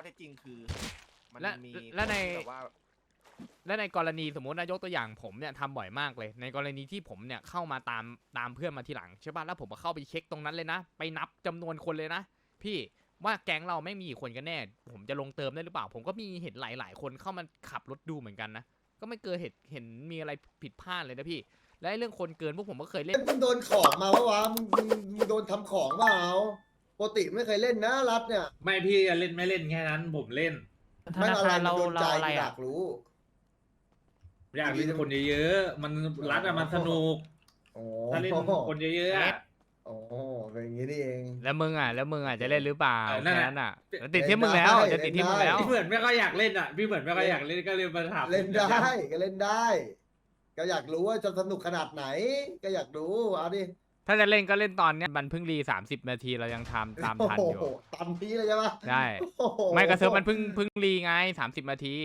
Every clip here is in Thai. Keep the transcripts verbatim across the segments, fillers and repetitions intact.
เท็จจริงคือมันและมีและในคนที่แบบว่าและในกรณีสมมตินายกตัวอย่างผมเนี่ยทำบ่อยมากเลยในกรณีที่ผมเนี่ยเข้ามาตามตามเพื่อนมาทีหลังใช่ป่ะแล้วผมก็เข้าไปเช็คตรงนั้นเลยนะไปนับจำนวนคนเลยนะพี่ว่าแก๊งเราไม่มีกี่คนกันแน่ผมจะลงเติมได้หรือเปล่าผมก็มีเห็นหลายๆคนเข้ามาขับรถดูเหมือนกันนะก็ไม่เคยเห็นเห็นมีอะไรผิดพลาดเลยนะพี่และเรื่องคนเกินพวกผมก็เคยเล่นมึงโดนของมาปะวะมึงมึงมึงโดนทำของเปล่าปกติไม่เคยเล่นนะรัฐเนี่ยไม่พี่เล่นไม่เล่นแค่นั้นผมเล่นธนาคารเราโดนเราใจอะไรออ่ะยากรู้อยากเล่นคนเยอะๆมันรัดอะมันสนุกโอ้ถ้าเล่นคนเยอะๆอะโอ้เป็นอย่างนี้นี่เองแล้วมึงอ่ะแล้วมึงอ่ะจะเล่นหรือเปล่าเออนั่นแค่แหละนั้นอ่ะแล้วติดที่มึงแล้วเล่นได้จะติดที่มึงแล้วพี่เหมือนไม่ค่อยอยากเล่นอ่ะพี่เหมือนไม่ค่อยอยากเล่นก็เลยมาถามเล่นได้ก็เล่นได้ ก็อยากรู้ว่าจะสนุกขนาดไหน ก็อยากรู้เอาดิถ้าจะเล่นก็เล่นตอนเนี้ยมันเพิ่งรีสามสิบนาทีเรายังทำตามทันอยู่โโหตามนี้เลยใช่ปะได้โอ้โหไม่กระเซิร์ฟมันเพิ่งเพิ่งรีไงสามสิบนาที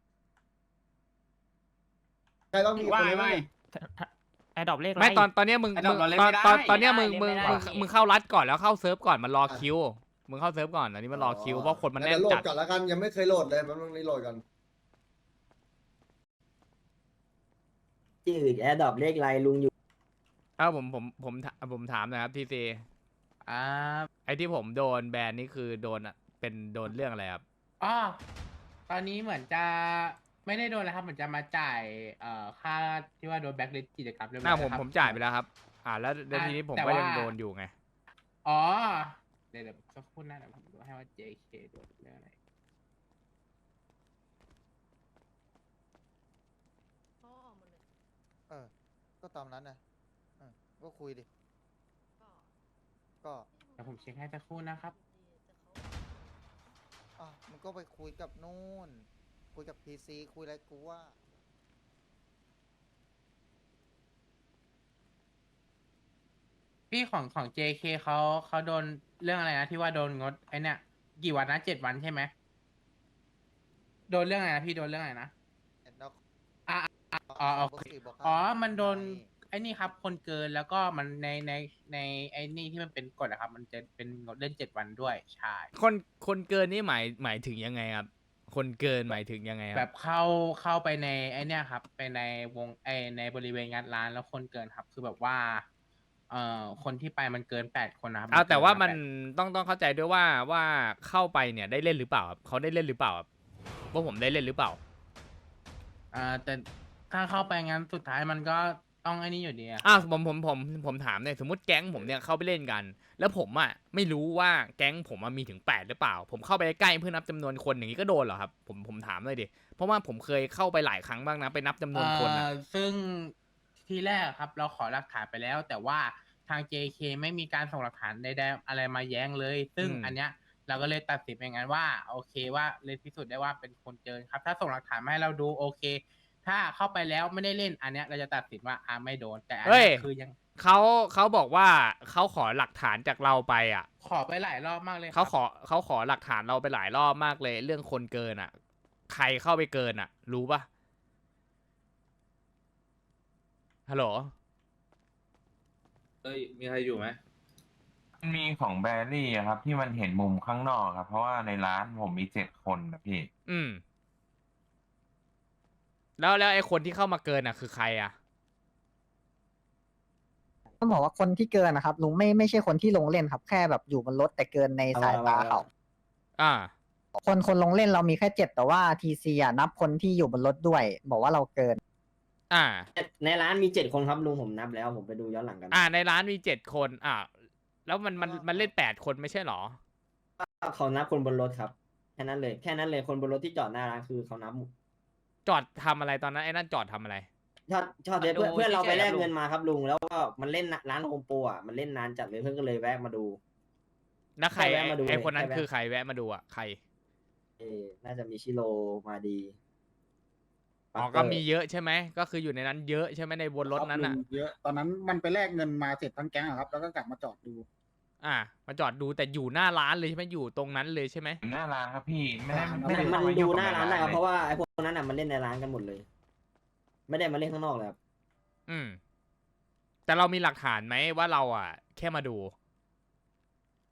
ใครบ้างมีคนไหมไอ้ดอกเลขไม่ตอนตอนเนี้ยมึงไอ้มึดอกงเราเล่นตอนไม่ได้ตอนตอนเนี้ยมึงมึงเล่นไม่มึงได้มึงเข้ารัดก่อนแล้วเข้าเซิร์ฟก่อนมันรอคิวมึงเข้าเซิร์ฟก่อนอันนี้มันรอคิวเพราะคนมันแน่เดี๋ยนวโหลจัดดก่อนแล้วกันยังไม่เคยโหลดเลยมันต้องรีโหลดกันจืดแอร์ดรอปเลขไรลุงอยู่ถ้าผมผมผมผมถามนะครับทีซีอ่าไอที่ผมโดนแบนนี่คือโดนอะเป็นโดนเรื่องอะไรครับอ๋อตอนนี้เหมือนจะไม่ได้โดนแล้วครับเหมือนจะมาจ่ายเอ่อค่าที่ว่าโดนแบ็คลิสต์กิจกรรมเรียบหร้น้าอยผมแล้วครับผมจ่ายไปแล้วครับ อ่าแล้วแล้วอ่าทีนี้ผมแต่ก็ยังว่าโดนอยู่ไงอ๋อเดี๋ยวเดี๋ยวสักครู่นะเดี๋ยวผมดูให้ว่า เจ เค โดนเรื่องอะไรเออ ก็ตามนั้นนะเออก็คุยดิ ก็เดี๋ยวผมเช็คให้สักครู่นะครับอ่ะมันก็ไปคุยกับนู่น คุยกับพีซีคุยอะไรกูว่าพี่ของของ เจ เค เขาเขาโดนเรื่องอะไรนะที่ว่าโดนงดไอเนี่ยกี่วันนะเจ็ดวันใช่ไหมโดนเรื่องอะไรนะพี่โดนเรื่องอะไรนะเห็นแล้วอ่ะอ่ะอ๋อโอเคบอกว่าอ๋อ มันโดนไอ้นี่ครับ คนเกินแล้วก็มันในในในไอ้นี่ที่มันเป็นกฎอะครับ มันจะเป็นงดเล่นเจ็ดวันด้วยใช่คนคนเกินนี่หมายหมายถึงยังไงครับ คนเกินหมายถึงยังไงคแบรับบเข้าเข้าไปในไอ้เนี่ยครับไปในวงไอในบริเวณงานร้านแล้วคนเกินครับ คือแบบว่าเอ่อคนที่ไปมันเกินแปดคนนะครับอ้าวแต่ว่ามันเกิต้องต้องเข้าใจด้วยว่าว่าเข้าไปเนี่ยได้เล่นหรือเปล่าครับเขาได้เล่นหรือเปล่าครับว่าผมได้เล่นหรือเปล่าอ่าแต่ถ้าเข้าไปงั้นสุดท้ายมันก็ต้องไอ้นี่อยู่ดีอะอ้าวผมผมผมผมถามเนี่ยสมมติแก๊งผมเนี่ยเข้าไปเล่นกัน แล้วผมอ่ะไม่รู้ว่าแก๊งผมอะมีถึงแปดหรือเปล่า ผมเข้าไปใกล้เพื่อนับจำนวนคนอย่างนี้ก็โดนเหรอครับผมผมถามเลยดิเพราะว่าผมเคยเข้าไปหลายครั้งบ้างนะไปนับจำนวนคนอะเอ่อซึ่งที่แรกครับเราขอหลักฐานไปแล้ว แต่ว่าทาง เจ เค ไม่มีการส่งหลักฐานใดๆอะไรมาแย้งเลย ซึ่งอืมอันเนี้ยเราก็เลยตัดสินอย่างนั้นว่าโอเคว่าเลยพิสูจน์ได้ว่าเป็นคนเกินครับ ถ้าส่งหลักฐานมาให้เราดูโอเค ถ้าเข้าไปแล้วไม่ได้เล่นอันเนี้ยเราจะตัดสินว่าอ่าไม่โดนแต่อันเฮ้ยเนี้ยคือยังเขาเขาบอกว่าเขาขอหลักฐานจากเราไปอ่ะขอไปหลายรอบมากเลยครับเขาขอเขาขอหลักฐานเราไปหลายรอบมากเลย เรื่องคนเกินอ่ะ ใครเข้าไปเกินอ่ะ รู้ปะฮัลโหลเอ้ยมีใครอยู่ไหมมีของแบรี่อะครับ ที่มันเห็นมุมข้างนอกครับ เพราะว่าในร้านผมมีเจ็ดคนนะพี่อืม แล้วแล้วไอ้คนที่เข้ามาเกินอ่ะ คือใครอ่ะต้องบอกว่าคนที่เกินนะครับลุงไม่ไม่ใช่คนที่ลงเล่นครับ แค่แบบอยู่บนรถแต่เกินในสายตาเขาอ่าคนคนลงเล่นเรามีแค่เจ็ดแต่ว่าทีซีอ่ะนับคนที่อยู่บนรถด้วย บอกว่าเราเกินอ่าในร้านมีเจ็ดคนครับลุงผมนับแล้วผมไปดูย้อนหลังกันอ่า ในร้านมีเจ็ดคน อ่า แล้วมันมันมันเล่นแปดคนไม่ใช่หรอเขานับคนบนรถครับแค่นั้นเลยแค่นั้นเลยคนบนรถที่จอดหน้าร้านคือเขานับจอดทำอะไรตอนนั้นไอ้นั่นจอดทำอะไรชอบชอบเพื่อนดูเพื่อนเราไปแลกเฉยๆครับลุงเงินมาครับลุงแล้วก็มันเล่นร้านโฮมโปรอ่ะมันเล่นนานจัดเลยเพื่อนก็เลยแวะมาดูแล้วใครแค่แวะมาดูไอ้คนนั้นแค่แวะคือใครแวะมาดูอ่ะ ใครเออน่าจะมีชิโรมาดีอ๋อ ก็มีเยอะใช่ไหม ก็คืออยู่ในนั้นเยอะใช่ไหมในบนรถนั้นอ่ะเยอะ ตอนนั้นมันไปแลกเงินมาเสร็จทั้งแก๊งครับ แล้วก็กลับมาจอดดูอ่า มาจอดดูแต่อยู่หน้าร้านเลยใช่ไหมอยู่ตรงนั้นเลยใช่ไหมหน้าร้านครับพี่ ไม่ได้อ่าไม่ได้มันเข้ามาดูยุ่งหกับน้าร้านนะครับลยเพราะว่าไอ้พวกนั้นอ่ะมันเล่นในร้านกันหมดเลย ไม่ได้มาเล่นข้างนอกเลยครับอืม แต่เรามีหลักฐานไหมว่าเราอ่ะ แค่มาดู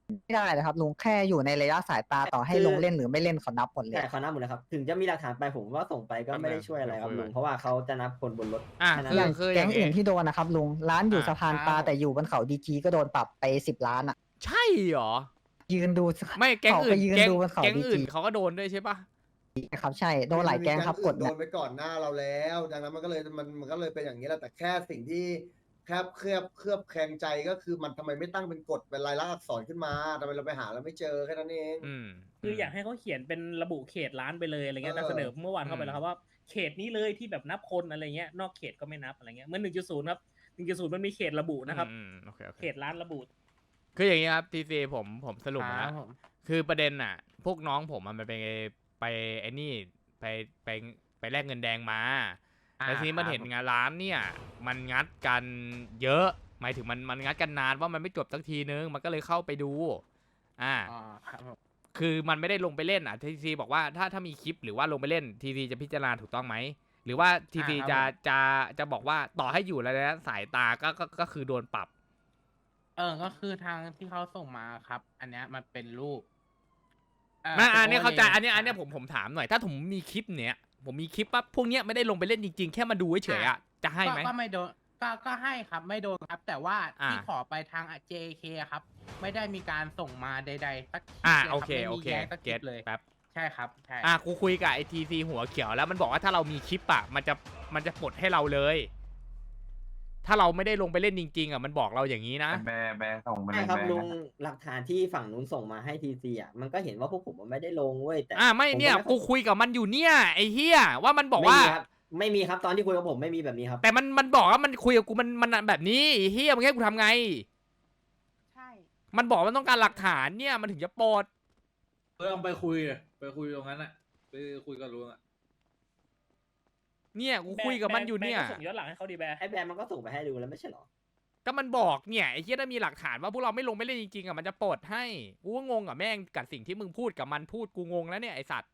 ไม่ได้เลยครับลุงแค่อยู่ในระยะสายตาต่อให้คือลงเล่นหรือไม่เล่นเขานับหมดเลยใช่เขานับหมดเลยครับ ถึงจะมีหลักฐานไปผมว่าส่งไปก็ไม่ได้ช่วยอะไรครับลุงเพราะว่าเขาจะนับคนบนรถอ่ะแค่นั้นคืออย่างแคืออก๊ย่าง งอื่งี้นที่โดนนะครับลุงร้านอยู่อ่ะสะพานปลาแต่อยู่บนเขาดีจีก็โดนปรับไปสิบล้านอ่ะใช่เหรอยืนดูไม่แก๊งเขาอื่ไปนยืนแก๊งดูบนเขาแก๊งดีอื่จีนเขาก็โดนด้วยใช่ปะครับใช่โดนหลายแก๊งครับกดโดเนี่ยนไปก่อนหน้าเราแล้ว ดังนั้นมันก็เลยมันมันก็เลยเป็นอย่างนี้แหละแต่แค่สิ่งที่แคบเคลือบเคลือบแคลงใจก็คือมันทำไมไม่ตั้งเป็นกฎเป็นลายลักษณ์อักษรขึ้นมาทำไมเราไปหาแล้วไม่เจอแค่นั้นเองอืมคืออยากให้เขาเขียนเป็นระบุเขตร้านไปเลยอะไรเงี้ยเออแต่เสนอเมื่อวานเข้าไปแล้วครับว่าเขตนี้เลยที่แบบนับคนอะไรเงี้ยนอกเขตก็ไม่นับอะไรเงี้ยเหมื่อนหนึ่งจุดศูนย์ครับหนึ่งจุดศูนย์มันมีเขตระบุนะครับอืมโอเคโอเคเขตร้านระบุคืออย่างนี้ครับทีซีผมผมสรุปคมารัแล้บวผมคือประเด็นน่ะ พวกน้องผมอะมันไปไปไอ้นี่ไปไปไปแลกเงินแดงมาอ่าแล้วทีนี้มันครับเห็นงานร้านเนี่ย มันงัดกันเยอะ หมายถึงมันมันงัดกันนานว่ามันไม่จบสักทีนึง มันก็เลยเข้าไปดู อ่าอ๋อครับผมคือมันไม่ได้ลงไปเล่นอ่ะทีซีบอกว่าถ้าถ้ามีคลิปหรือว่าลงไปเล่นทีซีจะพิจารณาถูกต้องไหมหรือว่าทีซีจะจะจะบอกว่าต่อให้อยู่ระยะสายตาก็ก็ก็คือโดนปรับเออก็คือทางที่เขาส่งมาครับ อันเนี้ยมันเป็นรูปมาอันเนี้ยโเข้าใจอันเนี้ยลอันเนี้ยผมผมถามหน่อยถ้าผมมีคลิปเนี้ยผมมีคลิปว่าพวกเนี้ยไม่ได้ลงไปเล่นจริงๆ แค่มาดูเฉยๆอ่ะจะให้ไหมก็ก็ไม่โดนก็ก็ให้ครับไม่โดนครับ แต่ว่าอ่าที่ขอไปทาง เจ เค ครับ ไม่ได้มีการส่งมาใดๆสักคลิปอ่าลยรับโอเคไม่โอมีเคแย้งสักคเก็ลิตปเลยแป๊บใช่ครับใช่อ่ะกูคุยกับไอทีซีหัวเขียวแล้วมันบอกว่าถ้าเรามีคลิปอ่ะมันจะมันจะปลดให้เราเลย ถ้าเราไม่ได้ลงไปเล่นจริงๆอ่ะมันบอกเราอย่างนี้นะแบร์แบร์ส่งมาเลใช่ยครับแบร์ลุงนะหลักฐานที่ฝั่งนู้นส่งมาให้ทีซีอ่ะมันก็เห็นว่าพวกผมมันไม่ได้ลงเว้ยแต่อ่าไม่เนี่ยผกูก็คุยกับมันอยู่เนี่ยไอ้เฮียว่ามันบอกไม่ว่ามีครับไม่มีครับตอนที่คุยกับผมไม่มีแบบนี้ครับแต่มันมันบอกว่ามันคุยกับกูมันมันแบบนี้ไอ้เฮียมึงให้กูทำไงใช่มันบอกว่ามันต้องการหลักฐานเนี่ยมันถึงจะปลดเออเอาไปคุยอะไปคุยตรงนั้นอะไปคุยกับลุงอะเนี่ยกูคุยกับมันอยู่เนี่ยแบร์ก็ส่งย้อนหลังให้เขาดีแบร์ไอ้แบรนด์มันก็ส่งไปให้ดูแล้วไม่ใช่เหรอก็มันบอกเนี่ยไอ้เฮียถ้ามีหลักฐานว่าพวกเราไม่ลงไม่เล่นจริงๆอ่ะมันจะปลดให้กูก็งงกับแม่งกับสิ่งที่มึงพูดกับมันพูดกูงงแล้วเนี่ยไอสัตว์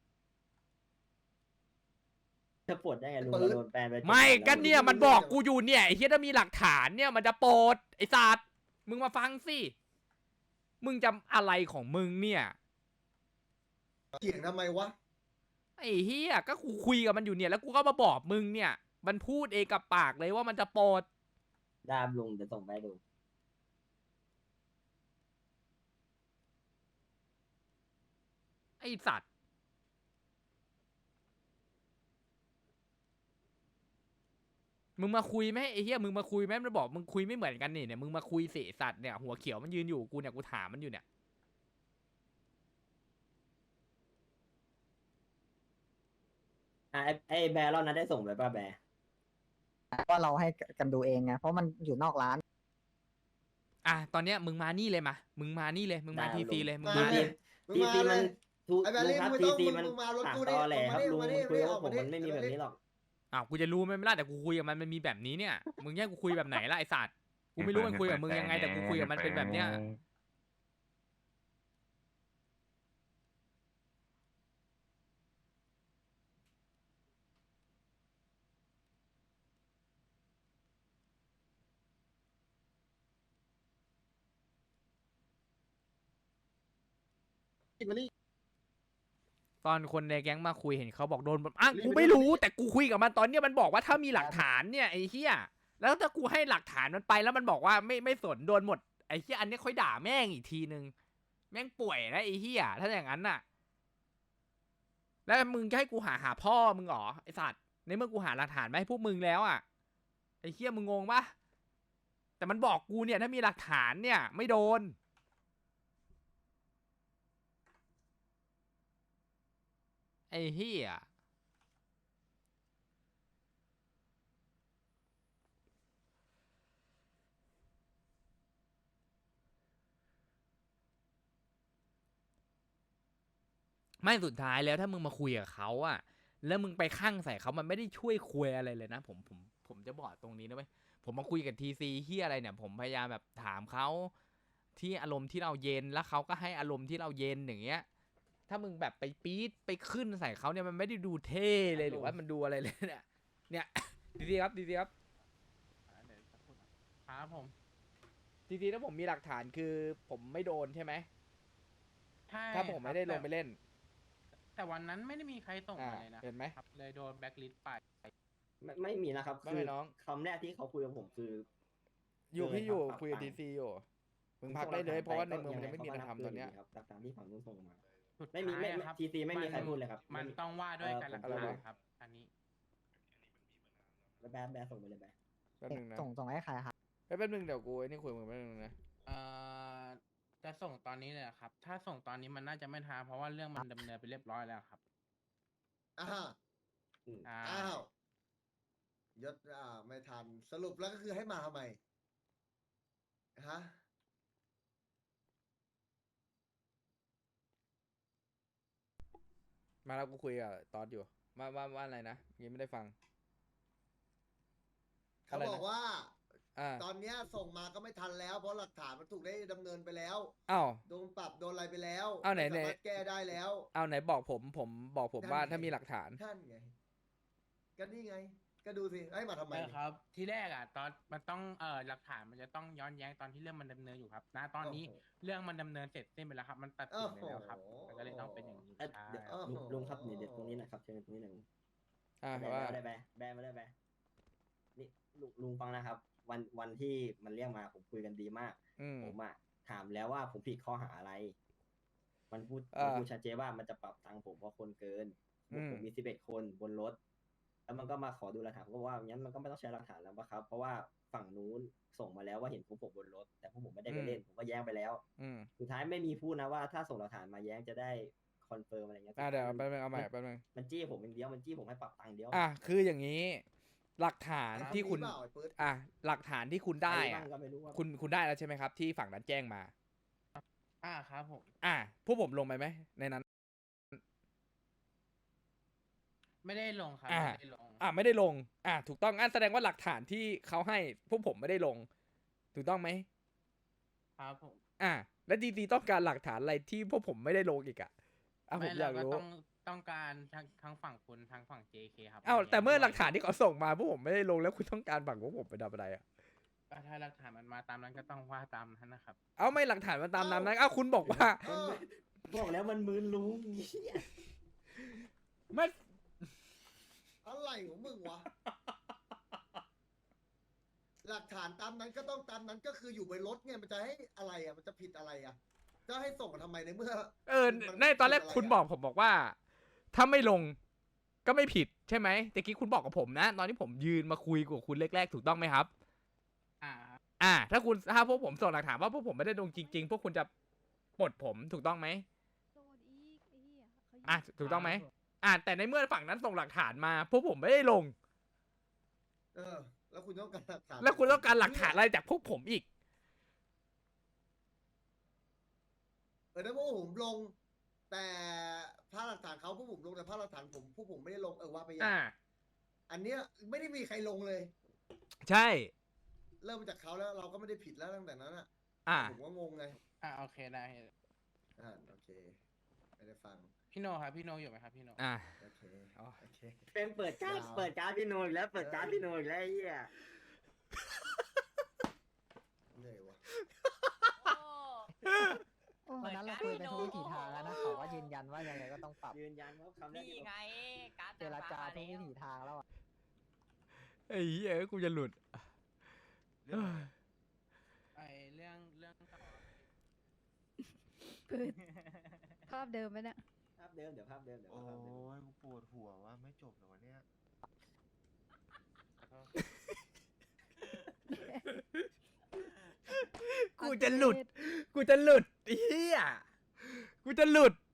จะปลดได้ไงลุงเปิดเราโดนแบนไปไม่จ็ดวักันแล้วเนี่ยมันบอกกูอยู่เนี่ยไอ้เฮียถ้ามีหลักฐานเนี่ยมันจะปลดไอสัตว์มึงมาฟังสิมึงจำอะไรของมึงเนี่ยเถียงทำไมวะไอ้เฮียก็กูคุยกับมันอยู่เนี่ยแล้วกูก็มาบอกมึงเนี่ย มันพูดเองกับปากเลยว่ามันจะปลดดามลุงจะส่งไปให้ดูไอสัตว์มึงมาคุยไหมไอ้เฮียมึงมาคุยไหมมันบอกมึงคุยไม่เหมือนกันนี่เนี่ยมึงมาคุยสิไอ้สัตว์เนี่ยหัวเขียวมันยืนอยู่กูเนี่ยกูถามมันอยู่เนี่ยอ่ะไอ้ไอ้แบร์เรานั้นได้ส่งไปป่ะแบร์ว่าเราให้กันดูเองไงเพราะมันอยู่นอกร้านอ่ะตอนเนี้ยมึงมานี่เลยมามึงมานี่เลยมึงมาทีซีเลยมึงมามาเลเลย ยมึงทีมาซีเลมันยทูไอ้แบลุรี่งครับมึงทีไม่ต้องซีมึงมันมึงมารถปากกูตดิอแหลครับลุงมาดิคุยกับมาดิผมมันไม่มีมาดิแบบนี้หรอกอ้าวกูจะรู้ไหมไม่ล่ะแต่กูคุยกับมันมันมีแบบนี้เนี่ยมึงแย่งกูคุยแบบไหนล่ะไอสัตว์กูไม่รู้มันคุยกับมึงยังไงแต่กูคุยกับมันเป็นแบบเนี้ย ตอนคนในแก๊งมาคุยเห็นเขาบอกโดนแบบอ่ะกูไม่รู้แต่กูคุยกับมันตอนเนี้ยมันบอกว่าถ้ามีหลักฐานเนี่ยไอ้เหี้ยแล้วถ้ากูให้หลักฐานมันไปแล้วมันบอกว่าไม่ไม่สนโดนหมดไอ้เหี้ยอันนี้ค่อยด่าแม่งอีกทีนึงแม่งป่วยนะไอ้เหี้ยถ้าอย่างนั้นน่ะ แล้วมึงจะให้กูหาหาพ่อมึงเหรอไอ้สัตว์ในเมื่อกูหาหลักฐานมาให้พวกมึงแล้วอ่ะไอ้เหี้ยมึงงงปะแต่มันบอกกูเนี่ยถ้ามีหลักฐานเนี่ยไม่โดนไอ้เหี้ยไม่สุดท้ายแล้วถ้ามึงมาคุยกับเขาอะแล้วมึงไปข้างใส่เขามันไม่ได้ช่วยคุยอะไรเลยนะผมผมผมจะบอกตรงนี้นะเว้ยผมมาคุยกับทีซีเฮียอะไรเนี่ยผมพยายามแบบถามเขาที่อารมณ์ที่เราเย็นแล้วเขาก็ให้อารมณ์ที่เราเย็นอย่างเงี้ยถ้ามึงแบบไปปี๊ดไปขึ้นใส่เขาเนี่ยมันไม่ได้ดูเท่เลยหรือว่ามันดูอะไรเลยเนี่ยเนี่ยทีซีครับทีซีครับเดี๋ยวสักครู่นะครับผมทีซีถ้าผมมีหลักฐานคือผมไม่โดนใช่ไหมใช่ถ้าผมไม่ได้ลงไปครับเล่นแต่วันนั้นไม่ได้มีใครส่งอ่ามาเลยนะเห็นไหมครับเลยโดนแบ็คลิสต์ไปไม่ไม่มีนะครับไม่คือไม่น้องคำแรกที่เขาคุยกับผมคืออยู่เกินพี่อยู่ครับคุยกับปรัทีบซีอยู่มึงผมพักส่ได้เลยหกฐเพราะว่าในปเมืองมันก็ยังไม่มีอะไรเขาก็ทำตอนเนี้ยบหลักฐานที่ฝั่งนู้นส่งมาสุดไม่มีท้ายไม่อะไม่ครับทีซีไม่มีนใครพูดเลยครับมันไม่มีต้องว่าด้วยเอ่อการหลักผมฐาพูดนเลยครับ อันนี้แล้วแบ๊แบ๊ส่งไปเลยแบ๊แป๊บนึงนะส่งส่งให้ใครครับเอ้ยแป๊บนึงเดี๋ยวกูไอ้นี่คุยกับมึงแป๊บนึงนะเอ่อจะส่งตอนนี้เลยเหรอครับ ถ้าส่งตอนนี้มันน่าจะไม่ทันเพราะว่าเรื่องมันดำเนินไปเรียบร้อยแล้วครับอ่าอืมอ่าอ้าวยศอ่าไม่ทันสรุปแล้วก็คือให้มาทำไมฮะมาแล้วกูคุยกับตอดอยู่ว่าว่าว่าอะไรนะยังไม่ได้ฟังเขาอะไรนะบอกว่าอ่าตอนเนี้ยส่งมาก็ไม่ทันแล้ว เพราะหลักฐานมันถูกได้ดำเนินไปแล้วอ้าวโดนปรับโดนอะไรไปแล้วอ้าวไหนม่สามารถไหนแก้ได้แล้วเอาไหนบอกผมผมบอกผมนั่นว่าไงถ้ามีหลักฐานท่านไง ก็นี่ไง ก็ดูสิให้มาทำไมเออครับ ที่แรกอ่ะ ตอนมันต้องเอ่อหลักฐานมันจะต้องย้อนแย้งตอนที่เรื่องมันดำเนินอยู่ครับณตอนนี้โอ้โหเรื่องมันดำเนินเสร็จสิ้นไปแล้วครับ มันตัดสินไปแล้วครับโอ้โหมันก็เลยต้องเป็นอย่างนี้เอ้ยใช่เดี๋ยวโอ้โหลุงลุงครับเดี๋ยวเดี๋ยวตรงนี้หนะครับเชิญตรงนี้หน่อยอ่าแบ๊ว่าไม่ได้แบ๊แบ๊ไม่ได้แบ๊นี่ลุงลุงฟังนะครับ วันวันที่มันเรียกมาผมคุยกันดีมากอืมผมอะถามแล้วว่าผมผิดข้อหาอะไร มันพูดอ่ามัมันพูดชัดเจนว่ามันจะปรับตังค์ผมเพราะคนเกินอืมผมมีสิบเอ็ดคนบนรถ แล้วมันก็มาขอดูหลักฐานผมก็บอกว่างั้นมันก็ไม่ต้องใช้หลักฐานแล้วปะครับ เพราะว่าฝั่งนู้นส่งมาแล้วว่าเห็นพวกผมบนรถ แต่พวกผมไม่ได้ไปเล่น ผมก็แย้งไปแล้วอืมสุดท้ายไม่มีพูดนะว่าถ้าส่งหลักฐานมาแย้งจะได้คอนเฟิร์มอะไรเงี้ยอ่าเดี๋ยวสุแป๊บนึงเอาใหม่มันแป๊บนึงมันจี้ผมอย่างเดียว มันจี้ผมให้ปรับตังค์เดียวอ่ะคืออย่างนี้ หลักฐานไอ้ที่คุณนนี้เปล่าไอ้ปื๊ดอ่ะหลักฐานที่คุณได้ใครอ่ะบ้างก็ไม่รู้ว่าคุณคุณได้แล้วใช่ไหมครับ ที่ฝั่งนั้นแจ้งมาอ่าครับผมอ่ะพวกผมลงไปไหมในนั้นไม่ได้ลงครับอ่าไม่ได้ลงอ่ะไม่ได้ลง อ่ะถูกต้องงั้นแสดงว่าหลักฐานที่เขาให้พวกผมไม่ได้ลง ถูกต้องไหมครับผมอ่ะแล้วดีดีต้องการหลักฐานอะไรที่พวกผมไม่ได้ลงอีกอ่ะอ่ะผมไม่อยากเก็รู้ต้องต้องการทั้งทั้งฝั่งคุณทั้งฝั่ง เจ เค ครับอ้าวแต่เมื่อด้วยหลักฐานที่เขาส่งมาพวกผมไม่ได้ลงแล้วคุณต้องการฝั่งพวกผมไปทำอะไรอ่ะก็ถ้าหลักฐานมันมาตามนั้นก็ต้องว่าตามนั้นนะครับเอาไม่หลักฐานมันตามนั้นนะอ้าวคุณบอกว่าเออบอกแล้วมันมืนลุงเหี้ยไม่อะไรของมึงวะ หลักฐานตามนั้นก็ต้องตามนั้นก็คืออยู่บนรถไงมันจะให้อะไรอ่ะ มันจะผิดอะไรอ่ะ จะให้ส่งมาทำไมในเมื่อเออมันในตอนแรกผิดอะไรคุณอะบอกผมบอกว่า ถ้าไม่ลงก็ไม่ผิดใช่ไหมแต่กี้คุณบอกกับผมนะ ตอนที่ผมยืนมาคุยกับคุณแรกๆถูกต้องไหมครับอ่าอ่า ถ้าคุณถ้าพวกผมส่งหลักฐานว่าพวกผมไม่ได้ลงจริง ๆ พวกคุณจะปลดผมถูกต้องไหมโดนอีกไอ้เหี้ยเขายิงอ่ะถูกต้องไหมอ่าแต่ในเมื่อฝั่งนั้นส่งหลักฐานมา พวกผมไม่ได้ลงเออ แล้วคุณต้องการหลักฐานแล้วคุณต้องการหลักฐานอะไรจากพวกผมอีกเออถ้าพวกผมลง แต่ภาพหลักฐานเขาพวกผมลงแต่ภาพหลักฐานผมพวกผมไม่ได้ลงเออว่าไปอย่างอ่าอันเนี้ยไม่ได้มีใครลงเลยใช่เริ่มมาจากเขาแล้วเราก็ไม่ได้ผิดแล้วตั้งแต่นั้นอ่ะอ่าผมก็งงไงอ่าโอเคได้อ่าโอเคไม่ได้ฟังพี่โนครับพี่โนอยู่ไหมครับพี่โนอ่าโอเคอ๋อโอเคเป็นเปิดการ์ดยาวเปิดการ์ดพี่โนอีกแล้ว เปิดการ์ดพี่โนอีกแล้วไอ้เหี้ยเหนื่อยวะโอ้วันนั้นเราคุยไปทุกวิถีทางแล้วนะเขาก็ยืนยันว่ายังไงก็ต้องปรับยืนยันว่าคำแรกที่ผมการ์ดเจรจาทุกวิถีทางแล้วอะไอ้เหี้ยกูจะหลุดไอเรื่องเรื่องต่อปืนภาพเดิมไหมเนี่ยภาพเดิมเดี๋ยวภาพเดิมเดี๋ยวโอ้ภาพเดิมยกูปวดหัวว่าไม่จบเหรอวะเนี่ยกูจะหลุด กูจะหลุดไอ้เหี้ยกูจะหลุด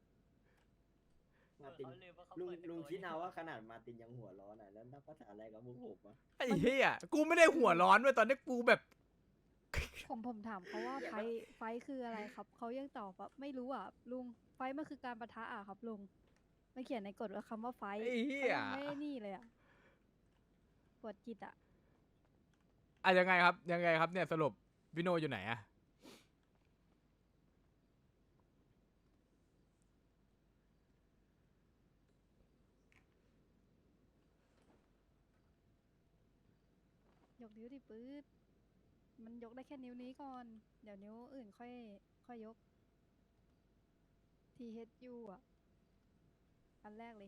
มาร์ตินลุงลุงคิดเอาว่าขนาดมาร์ตินยังหัวร้อนอ่ะแล้วนักภาษาอะไรกับพวกผมวะไอ้เหี้ยกูไม่ได้หัวร้อนด้วยตอนนี้กูแบบผมผมถามเขาว่าไฟท์ไฟท์คืออะไรครับ เขายังตอบว่าไม่รู้อ่ะลุง ไฟท์มันคือการปะทะอ่ะครับลุงไม่เขียนในกฎว่าคำว่าไฟท์ไอ้เหี้ยขายังไม่นี่เลยอ่ะปวดจิตอ่ะอ่ะยังไงครับยังไงครับเนี่ยสรุปพี่โนอยู่ไหนอะยกนิ้วดิปื๊ดมันยกได้แค่นิ้วนี้ก่อน เดี๋ยวนิ้วอื่นค่อย ค่อยยกทีเอชยูอ่ะ อันแรกเลย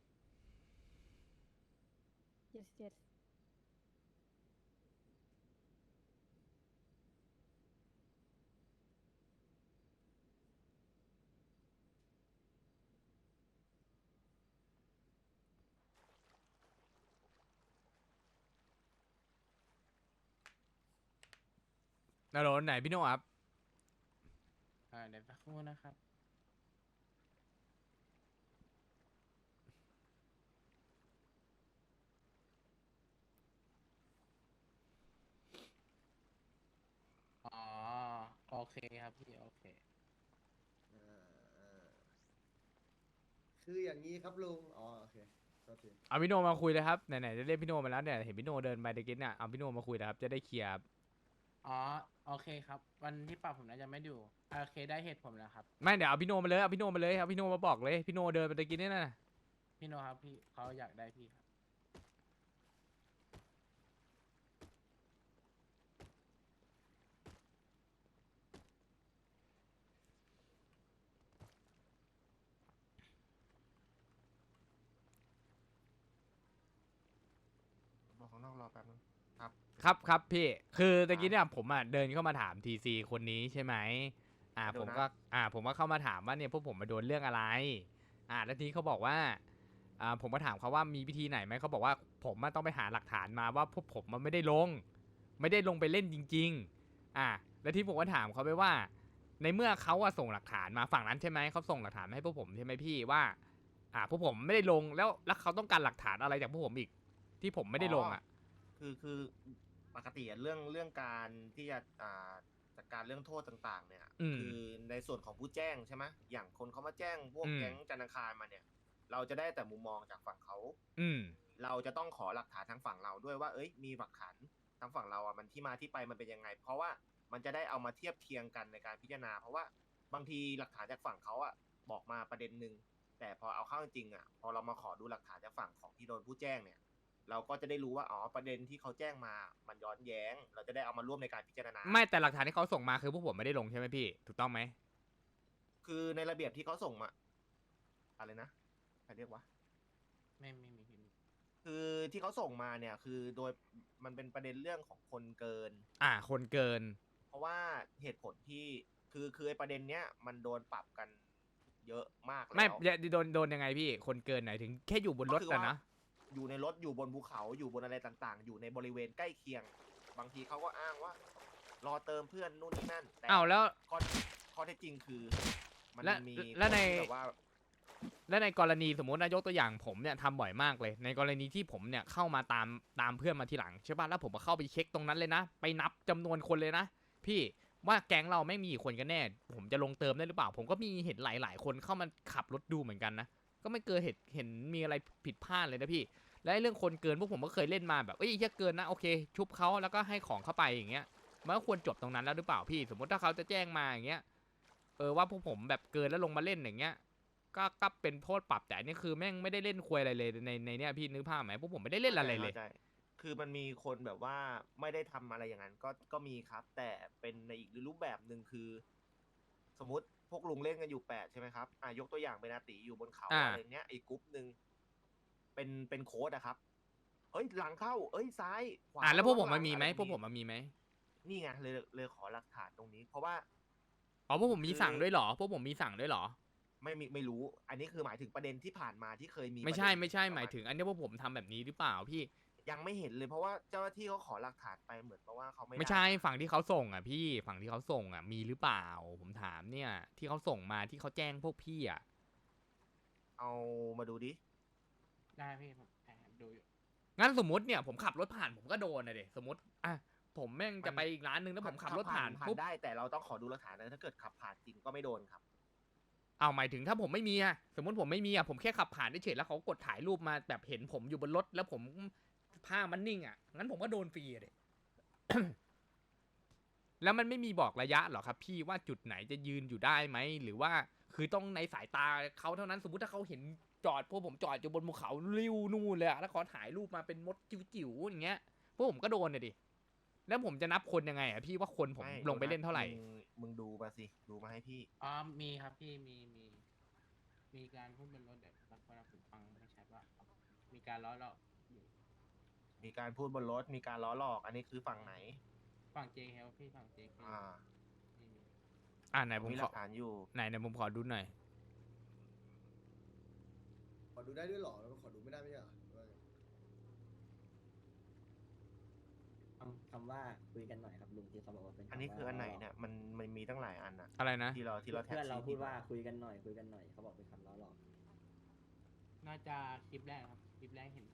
เจ็ดเจ็ดนาโรนไหนพี่โน่ครับอ่าเดี๋ยวสักครู่นะครับ อ๋อ โอเคครับพี่ โอเคอ่าคืออย่างนี้ครับลุง อ๋อโอเคโทษทีเอาพี่โนมาคุยเลยครับไหนๆจะเรียกพี่โนมาแล้วเนี่ยเห็นพี่โนเดินไปตะกี้เนี่ยเอาพี่โนมาคุยนะครับจะได้เคลียร์อ๋อ โอเคครับ วันที่ปรับผมน่าจะไม่ดูโอเคได้เหตุผมแล้วครับไม่เดี๋ยวเอาพี่โนมาเลยเอาพี่โนมาเลยเอาพี่โนมาบอกเลยพี่โนเดินไปตะกี้เนี่ยนะพี่โนครับพี่เขาอยากได้พี่ครับบอกข้างนอกรอแป๊บนึงครับครับครับพี่คือตะกี้เนี่ยผมอ่ะเดินเข้ามาถามทีซีคนนี้ใช่ไหมอ่าเดี๋ผยวมนะก็อ่าผมก็เข้ามาถามว่าเนี่ยพวกผมมาโดนเรื่องอะไรอ่าแล้วทีนี้เขาบอกว่าอ่าผมก็ถามเขาว่ามีวิธีไหนไหมเขาบอกว่าผมอะต้องไปหาหลักฐานมาว่าพวกผมมันไม่ได้ลง ไม่ได้ลงไปเล่นจริงๆอ่าแล้วที่ผมก็ถามเขาไปว่า ในเมื่อเขาอะส่งหลักฐานมาฝั่งนั้นใช่ไหมเขาส่งหลักฐานมาให้พวกผมใช่ไหมพี่ว่า อ่าพวกผมไม่ได้ลงแล้วแล้วเขาต้องการหลักฐานอะไรจากพวกผมอีก ที่ผมไม่ได้ลงอ่ะคือคือปกติอะเรื่องเรื่องการที่จะอ่าจัดการเรื่องโทษต่างๆ เนี่ยอืมคือในส่วนของผู้แจ้งใช่ไหมอย่างคนเขามาแจ้งพวกอืมแก๊งจันทร์อังคารมาเนี่ย เราจะได้แต่มุมมองจากฝั่งเขาอืมเราจะต้องขอหลักฐานทางฝั่งเราด้วยว่า เอ้ย มีหลักฐานทางฝั่งเราอ่ะมันที่มาที่ไปมันเป็นยังไง เพราะว่ามันจะได้เอามาเทียบเคียงกันในการพิจารณา เพราะว่าบางทีหลักฐานจากฝั่งเขาอ่ะบอกมาประเด็นหนึ่งแต่พอเอาเข้าจริงๆอ่ะพอเรามาขอดูหลักฐานจากฝั่งของที่โดนผู้แจ้งเนี่ย เราก็จะได้รู้ว่าอ๋อประเด็นที่เขาแจ้งมามันย้อนแย้ง เราจะได้เอามาร่วมในการพิจารณาไม่แต่หลักฐานที่เขาส่งมาคือพวกผมไม่ได้ลงใช่ไหมพี่ถูกต้องไหมคือในระเบียบที่เขาส่งมาอะไรนะใครเรียกว่าไม่ไม่มีพี่คือที่เขาส่งมาเนี่ยคือโดยมันเป็นประเด็นเรื่องของคนเกินอ่า คนเกินเพราะว่าเหตุผลที่คือคือไอ้ประเด็นเนี้ยมันโดนปรับกันเยอะมากแล้วไม่โดนโดนยังไงพี่คนเกินไหนถึงแค่อยู่บนรถก็คืออะว่านะอยู่ในรถอยู่บนภูเขาอยู่บนอะไรต่างๆ อยู่ในบริเวณใกล้เคียง บางทีเขาก็อ้างว่า รอเติมเพื่อนนู่นนี่นั่นแต่อ้าวแล้วข้อข้อเท็จจริงคือ มันและมีและในคนที่แบบว่าและในกรณีสมมตินายกตัวอย่างผมเนี่ยทำบ่อยมากเลย ในกรณีที่ผมเนี่ยเข้ามาตามตามเพื่อนมาทีหลังใช่ป่ะแล้วผมก็เข้าไปเช็คตรงนั้นเลยนะ ไปนับจำนวนคนเลยนะ พี่ว่าแก๊งเราไม่มีกี่คนกันแน่ ผมจะลงเติมได้หรือเปล่า ผมก็มีเห็นหลาย ๆ คนเข้ามาขับรถดูเหมือนกันนะ ก็ไม่เกิดเห็นเห็นมีอะไรผิดพลาดเลยนะพี่ และไอ้เรื่องคนเกินพวกผมก็เคยเล่นมาแบบเอ้ยแค่เกินนะโอเค ชุบเขาแล้วก็ให้ของเข้าไปอย่างเงี้ยมันก็ควรจบตรงนั้นแล้วหรือเปล่าพี่ สมมติถ้าเขาจะแจ้งมาอย่างเงี้ยเออว่าพวกผมแบบเกินแล้วลงมาเล่นอย่างเงี้ย ก็ก็เป็นโทษปรับแต่อันนี่คือแม่งไม่ได้เล่นควยอะไรเลยในในเนี้ยพี่นึกภาพไหมพวกผมไม่ได้เล่นอะไรเลยข้าใจคือมันมีคนแบบว่าไม่ได้ทำอะไรอย่างนั้นก็ก็มีครับ แต่เป็นในอีกรูปแบบหนึ่งคือ สมมติพวกลุงเล่นกันอยู่แปดใช่ไหมครับอ่ะยกตัวอย่างเป็นอาติอยู่บนเขาอ่าอะไรเงี้ยอีกกรุ๊ปหนึ่งเป็นเป็นโค้ดอะครับเอ้ยหลังเข้า เอ้ยซ้ายขวาอ่าแล้วพวกผมระมันมีไหมอะรพวกผมมันมีไหมนี่ไงเลยเลยขอหลักฐานตรงนี้ เพราะว่าอ๋อพวกผมมีสั่งด้วยเหรอพวกผมมีสั่งด้วยเหรอไม่มีไม่รู้ อันนี้คือหมายถึงประเด็นที่ผ่านมาที่เคยมีไม่ใช่ประเด็นไม่ใช่ประหมายถึง อันนี้พวกผมทำแบบนี้หรือเปล่าพี่ยังไม่เห็นเลยเพราะว่าเจ้าหน้าที่เขาขอหลักฐานไปเหมือนกับว่าเขาไม่ไม่ด้ใช่ฝั่งที่เขาส่งอ่ะพี่ฝั่งที่เขาส่งอ่ะมีหรือเปล่า ผมถามเนี่ย ที่เขาส่งมาที่เขาแจ้งพวกพี่อ่ะเอามาดูดิได้พี่ผมแอบดูอยู่งั้นสมมติเนี่ยผมขับรถผ่านผมก็โดนนะเด็สมมติอ่ะผมแม่งจะไปอีกร้านนึงแล้วผมขับรถผ่านผ่านปุ๊บได้แต่เราต้องขอดูหลักฐานนะถ้าเกิดขับผ่านจริงก็ไม่โดนครับเอาหมายถึงถ้าผมไม่มีอะสมมติผมไม่มีอะผมแค่ขับผ่านเฉยๆแล้วเขากดถ่ายรูปมาแบบเห็นผมอยู่บนรถแล้วผมภาพมันนิ่งอะงั้นผมก็โดนฟรีอะเด็ แล้วมันไม่มีบอกระยะหรอครับพี่ว่าจุดไหนจะยืนอยู่ได้ไหมหรือว่าคือต้องในสายตาเขาเท่านั้นสมมุติถ้าเขาเห็นจอดพวกผมจอดอยู่บนภูเขาริ้วนู่นเลยอะแล้วเขาถ่ายรูปมาเป็นมดจิ๋วๆอย่างเงี้ยพวกผมก็โดนเลยดิแล้วผมจะนับคนยังไงอะพี่ว่าคนผมไม่ลงไปเล่นเท่าไหร่มึงมึงดูมาสิ ดูมาให้พี่อ๋อมีครับพี่มีมีมีการพูดบนรถเดี๋ยวสักวันผมฟังไม่ชัดว่า มีการล้อหลอกอยู่มีการพูดบนรถมีการล้อหลอก อันนี้คือฝั่งไหนฝั่ง เจ เค พี่ฝั่ง เจ เคอ่าไม่มีอ่าไหนผมมีหขลัอกฐานอยู่ไหนไหนผมขอดูหน่อยขอดูได้ด้วยเหรอแล้วขอดูไม่ได้ไม่ใช่เหรอหรือว่าไงคำคำว่าคุยกันหน่อยครับลุงที่เขาบอกว่าเป็นำอันนี้คืออันไหนล้เนี่ยมันมันมีตั้งหลายอันอะอะไรนะที่เราที่เราแท็กเพื่อนเราซี่พูดที่ว่าคุยกันหน่อยคุยกันหน่อยเขาบอกเป็นคำล้อหลอกน่าจะคลิปแรกครับ คลิปแรกเห็น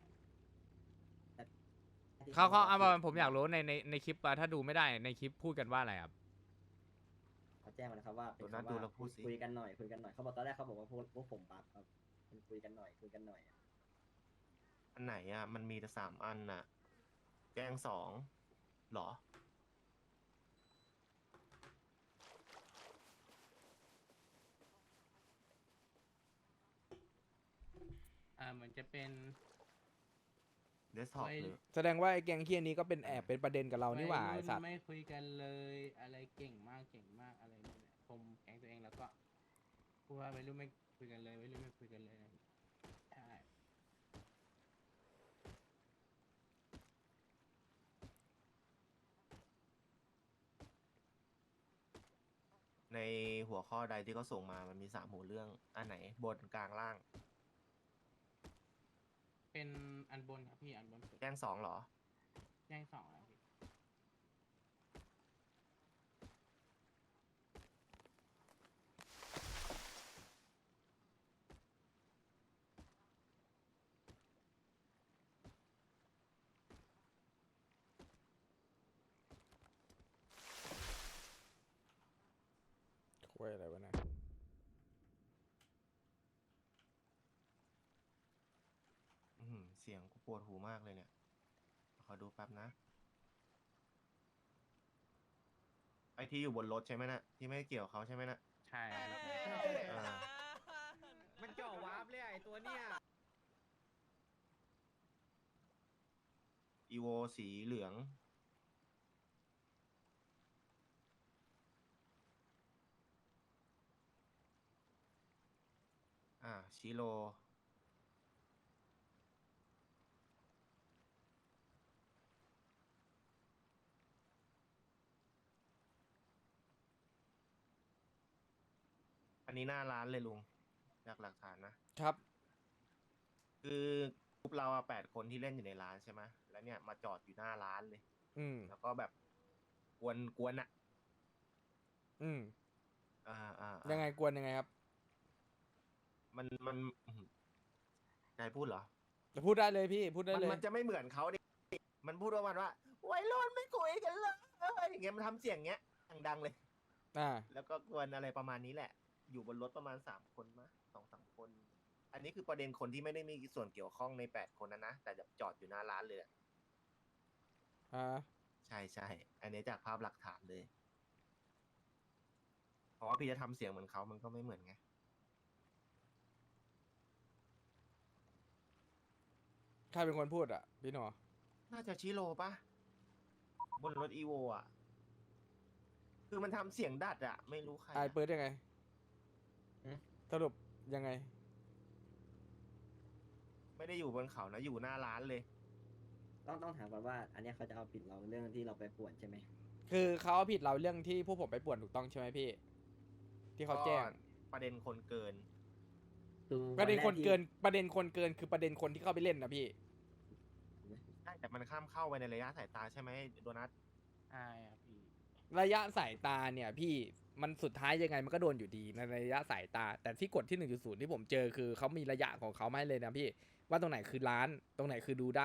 ที่เขาเขาบเอาว่มาผมอยากรู้ในในในคลิปอะถ้าดูไม่ได้ในคลิปพูดกันว่าอะไรครับเขาแจ้งมานะครับว่าเป็นดูนะคำดูว่าแล้วพูดสิคุยกันหน่อยคุยกันหน่อยเขาบอกตอนแรกเขาบอกว่าพวกพวกผมบัฟครับมันคุยกันหน่อยคุยกันหน่อยอะอันไหนอะมันมีแต่สามอันน่ะ แจ้งสองเหรออ่าเหมือนจะเป็นเดสก์ท็อปไว้หรือแสดงว่าไอ้แกงเคียนี้ก็เป็นแอบเป็นประเด็นกับเรานี่หว่าวัยไอ้รุ่นสัตว์ไม่คุยกันเลยอะไรเก่งมากเก่งมากอะไรนี่แหละผมแก๊งตัวเองแล้วก็พูดว่าวัยรุ่นไม่คุยกันเลยวัยรุ่นไม่คุยกันเลยนะใช่ในหัวข้อใดที่เขาส่งมามันมีสามหัวเรื่อง อันไหนบนกลางล่างเป็นอันบนครับพี่อันบนสุดแจ้งสองเหรอแจ้งสองแล้วพี่คุยอะไรวะเนี่ยอือหือเสียงกูปวดหูมากเลยเนี่ย ขอดูแป๊บนะ ไอที่อยู่บนรถใช่ไหมนะที่ไม่เกี่ยวเขาใช่ไหมนะใช่ครับพี่อ่ามันจ่อวาร์ปเลยไอตัวเนี้ยอีโวสีเหลือง อ่าชิโร อันนี้หน้าร้านเลยลุงจากหลักฐานนะครับคือกลุ่มเราอะแปดคนที่เล่นอยู่ในร้านใช่ไหมแล้วเนี่ยมาจอดอยู่หน้าร้านเลยอืมแล้วก็แบบกวนกวนอะอืมอ่าอ่ายัยังไงกวนยังไงครับมันมันอื้อหือจะให้พูดเหรอจะพูดได้เลยพี่พูดได้มันเลยมันจะไม่เหมือนเขาดิ มันพูดว่ามันว่าวัยรุ่นไม่คุยกันเลยอย่างเงี้ยมันทำเสียงเงี้ยดังๆเลยอ่าแล้วก็กวนอะไรประมาณนี้แหละ อยู่บนรถประมาณสามคนมะสองสามคน อันนี้คือประเด็นคนที่ไม่ได้มีส่วนเกี่ยวข้องในแปดคนนะนะ แต่จะจอดอยู่หน้าร้านเลยอะอ่าใช่ใช่ อันนี้จากภาพหลักฐานเลย เพราะว่าพี่จะทำเสียงเหมือนเขามันก็ไม่เหมือนไงใครเป็นคนพูดอ่ะ พี่หนอน่าจะชิโร่ปะบนรถอีโวอ่ะ คือมันทำเสียงดัดอ่ะ ไม่รู้ใครไออะเปิดยังไง สรุปยังไงไม่ได้อยู่บนเขานะ อยู่หน้าร้านเลยต้องต้องถามก่อนว่า อันเนี้ยเขาจะเอาผิดเราเรื่องที่เราไปป่วนใช่ไหมคือเขาเอาผิดเราเรื่องที่พวกผมไปป่วนถูกต้องใช่ไหมพี่ ที่เขาแจ้งก็ประเด็นคนเกินคือประเด็นคนวัแรที่เกิน ประเด็นคนเกินคือประเด็นคนที่เข้าไปเล่นนะพี่ใช่แต่มันข้ามเข้าไปในระยะสายตาใช่ไหมโดนัทใช่ครับพี่ระยะสายตาเนี่ยพี่มันสุดท้ายยังไงมันก็โดนอยู่ดีในระยะสายตา แต่ที่กฎที่ หนึ่งจุดศูนย์ ที่ผมเจอคือเขามีระยะของเขาไม่เลยนะพี่ ว่าตรงไหนคือร้าน ตรงไหนคือดูได้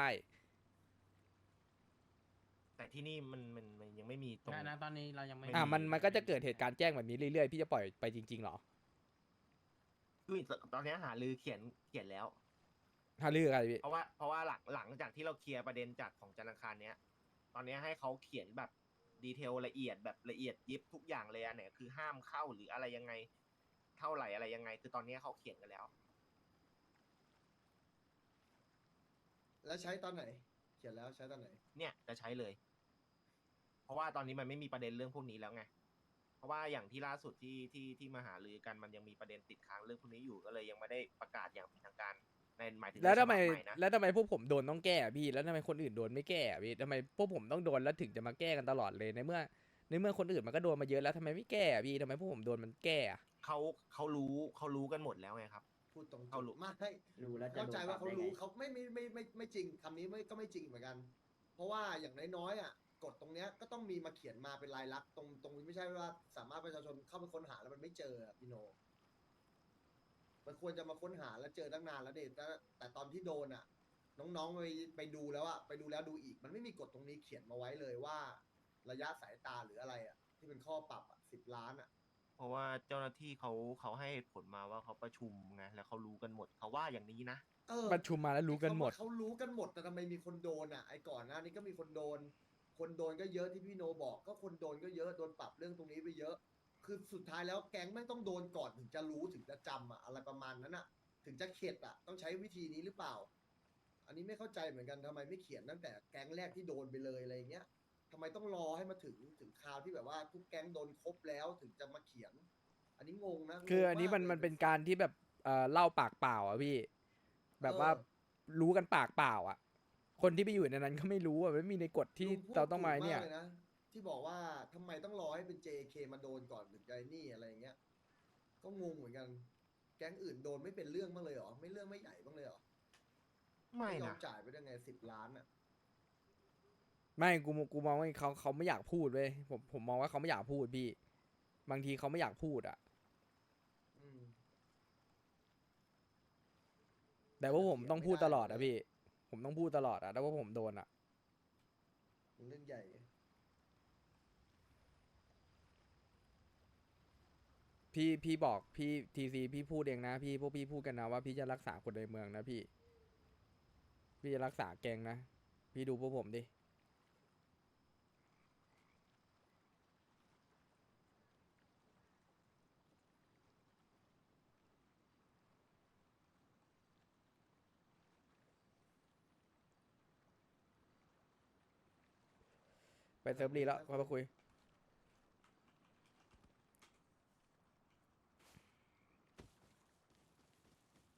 แต่ที่นี่มันมันมันยังไม่มีตรงณณตอนนี้เรายังไม่อ่ะมันมันก็จะเกิดเหตุการณ์แจ้งแบบนี้เรื่อยๆพี่จะปล่อยไปจริงๆเหรอคือตอนนี้หาลือเขียนเขียนแล้วถ้าเลือกอะไรพี่เพราะว่าเพราะว่าหลังหลังจากที่เราเคลียร์ประเด็นจากของจันทร์อังคารเนี้ย ตอนนี้ให้เขาเขียนแบบดีเทลละเอียดแบบละเอียดยิบทุกอย่างเลยอันไหนคือห้ามเข้าหรืออะไรยังไง เท่าไหร่อะไรยังไง คือตอนนี้เขาเขียนกันแล้วแล้วใช้ตอนไหน เขียนแล้วใช้ตอนไหนเนี่ยจะใช้เลย เพราะว่าตอนนี้มันไม่มีประเด็นเรื่องพวกนี้แล้วไง เพราะว่าอย่างที่ล่าสุดที่ที่ที่มาหารือกันมันยังมีประเด็นติดค้างเรื่องพวกนี้อยู่ก็เลยยังไม่ได้ประกาศอย่างเป็นทางการในหมายถึงแล้วทำไมในฉบับใหนะแล้วทำไมพวกผมโดนต้องแก้อะพี่แล้วทำไมคนอื่นโดนไม่แก้อะพี่ทำไมพวกผมต้องโดนแล้วถึงจะมาแก้กันตลอดเลยในเมื่อในเมื่อคนอื่นมันก็โดนมาเยอะแล้วทำไมไม่แก้อะพี่ทำไมพวกผมโดนมันแก้อะเขาเขารู้เขารู้กันหมดแล้วไงครับพูดตรงๆเขารู้ไม่รู้แล้วจะเข้าใจว่าเขารู้โดนปรับได้ไงเขาไม่ไม่ไม่ไม่ไม่จริงคำนี้ไม่ก็ไม่จริงเหมือนกัน เพราะว่าอย่างน้อยๆอ่ะกฎตรงเนี้ยก็ต้องมีมาเขียนมาเป็นลายลักษณ์ตรงตรงนี้ไม่ใช่ว่าสามารถประชาชนเข้าไปค้นหาแล้วมันไม่เจออะพี่โน มันควรจะมาค้นหาแล้วเจอตั้งนานแล้วเด็แต่แต่ตอนที่โดนอ่ะ น้องๆไปไปดูแล้วอ่ะไปดูแล้วดูอีก มันไม่มีกฎตรงนี้เขียนมาไว้เลยว่าระยะสายตาหรืออะไรอ่ะ ที่เป็นข้อปรับอ่ะสิบล้านอ่ะเพราะว่าเจ้าหน้าที่เขาเขาให้เหตุผลมาว่าเขาประชุมไงแล้วเขารู้กันหมดเขาว่าอย่างนี้นะเออประชุมมาแล้วรู้กันหมดเขารู้กันหมดแต่ทำไมมีคนโดนอ่ะไอ้ก่อนหน้านี้ก็มีคนโดน คนโดนก็เยอะที่พี่โนบอกก็คนโดนก็เยอะโดนปรับเรื่องตรงนี้ไปเยอะ คือสุดท้ายแล้วแก๊งไม่งต้องโดนก่อนถึงจะรู้ถึงจะจำอ่ะอะไรประมาณนั้นอ่ะ ถึงจะเข็ดอ่ะต้องใช้วิธีนี้หรือเปล่า อันนี้ไม่เข้าใจเหมือนกันทำไมไม่เขียนตั้งแต่แก๊งแรกที่โดนไปเลยอะไรอย่างเงี้ยทำไมต้องรอให้มาถึงถึงคราวที่แบบว่าทุกแก๊งโดนครบแล้วถึงจะมาเขียน อันนี้งงนะคืออันนี้มันงงากมันเป็นการที่แบบเอ่อเล่าปากเปล่าอ่ะพี่ แบบว่าเออรู้กันปากเปล่าอ่ะ คนที่ไปอยู่ในนั้นก็ไม่รู้อ่ะไม่มีในกฎที่ลุพูดเราต้องมาถูกเนี่ยกลนะที่บอกว่าทำไมต้องรอให้เป็น เจ เค มาโดนก่อนถึงจะไอ้นี่อะไรอย่างเงี้ย ก็งงเหมือนกัน แก๊งอื่นโดนไม่เป็นเรื่องบ้างเลยเหรอไม่เรื่องไม่ใหญ่บ้างเลยเหรอไม่ยอนะมจ่ายไปได้ไงสิบล้านอ่ะไม่กูกูมองว่าเขาเขาไม่อยากพูดเว้ยผมผมมองว่าเขาไม่อยากพูดพี่ บางทีเขาไม่อยากพูดอ่ะอืมแต่ว่าผมต้องพูดตลอดไม่อ่ะได้พี่ ผมต้องพูดตลอดอ่ะแต่ว่าผมโดนอ่ะมันเรื่องใหญ่พี่พี่บอกพี่ทีซีพี่พูดเองนะพี่พวกพี่พูดกันนะว่าพี่จะรักษาคนในเมืองนะพี่ พี่จะรักษาแกงนะ พี่ดูพวกผมดิ ไปเซิร์ฟรีแล้วค่อยมาคุย